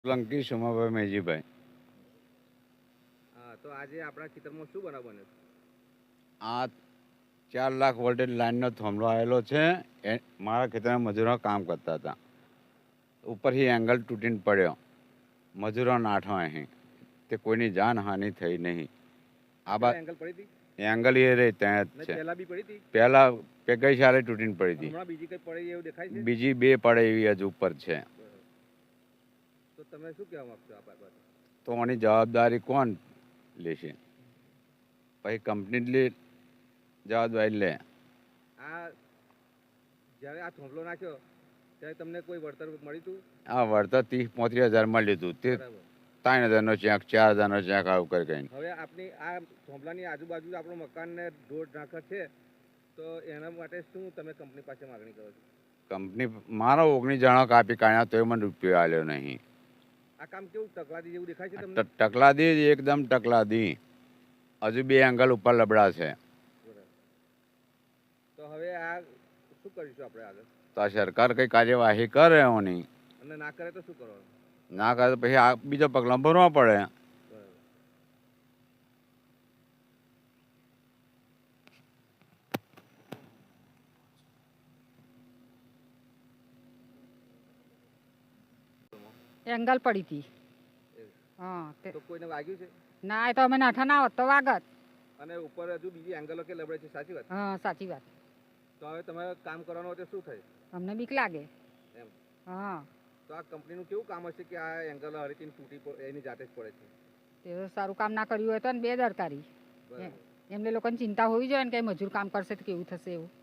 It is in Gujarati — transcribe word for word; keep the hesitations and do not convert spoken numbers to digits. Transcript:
સોલંકી સોમાભાઈ મેજીભાઈ. હા, તો આજે આપણા ખેતરમાં શું બનાવ બન્યો? આ ચાર લાખ વોલ્ટેજ લાઇનનો થાંભલો આવેલો છે. એ મારા ખેતરમાં મજૂરો કામ કરતા હતા. ઉપરથી એંગલ તૂટીને પડ્યો. મજૂરો નાઠો અહીં તે કોઈની જાનહાનિ થઈ નહીં. આ બા એંગલ પડી હતી? એંગલ એ રહી ત્યાં જ છે. પહેલા બી પડી હતી? પહેલા પે ગઈ સાલે તૂટીને પડી હતી. હમણાં બીજી કઈ પડી એવું દેખાય છે? બીજી બે પડે એવી હજુ ઉપર છે. તો તમે શું કહેવા માંગશો આ બાબતે? તો આની જવાબદારી કોણ લેશે? પછી કંપની લે જવાબદારી લે. આ જ્યારે આ થોંભલો નાખ્યો ત્યારે તમને કોઈ વળતર મળ્યું હતું? આ વળતર ત્રીસ પોત્રીસ હજાર મળ્યું હતું. તે બરાબર. ત્રણ હજારનો ચેક, ચાર હજારનો ચેક આવું કરી કહીને. હવે આપની આ થોંભલાની આજુબાજુ આપણું મકાનને ઢોર ઢાંકર છે, તો એના માટે શું તમે કંપની પાસે માગણી કરો છો? કંપની મારો ઓગણીસ જણો કાપી કાઢ્યા તોય મને રૂપિયો આવ્યો નહીં. આ કામ કેવું તકલાદી જેવું દેખાય છે ટ- તમને? ટકલાદી જ એકદમ ટકલાદી. હજુ બે એંગલ ઉપર લબડા છે. બરાબર. તો હવે આ શું કરીશું આપણે આગળ? તો આ સરકાર કઈ કાર્યવાહી કરે એની. અને ના કરે તો શું કરવાનું? ના કરે તો પછી આ બીજો પગલાં ભરવા પડે. બરાબર. એંગલ પડી હતી. હા તે તો કોઈને વાગ્યું છે? ના એ તો અમે નાઠા ના હોત તો વાગત. અને ઉપર હજુ બીજી એંગલો કે લબડે છે, સાચી વાત? હા સાચી વાત. તો હવે તમારે કામ કરવાનું હોય તો શું થાય અમને બીક લાગે. એમ? હા તો આ કંપનીનું કેવું કામ હશે કે આ એંગલ હરીથી તૂટી પ- એની જાતે જ પડે છે? તે તો સારું કામ ના કર્યું હોય તો ને બેદરકારી. બરાબર. એમને લોકોને ચિંતા હોવી જોઈએ ને કે મજૂર કામ કરશે તો કેવું થશે એવું.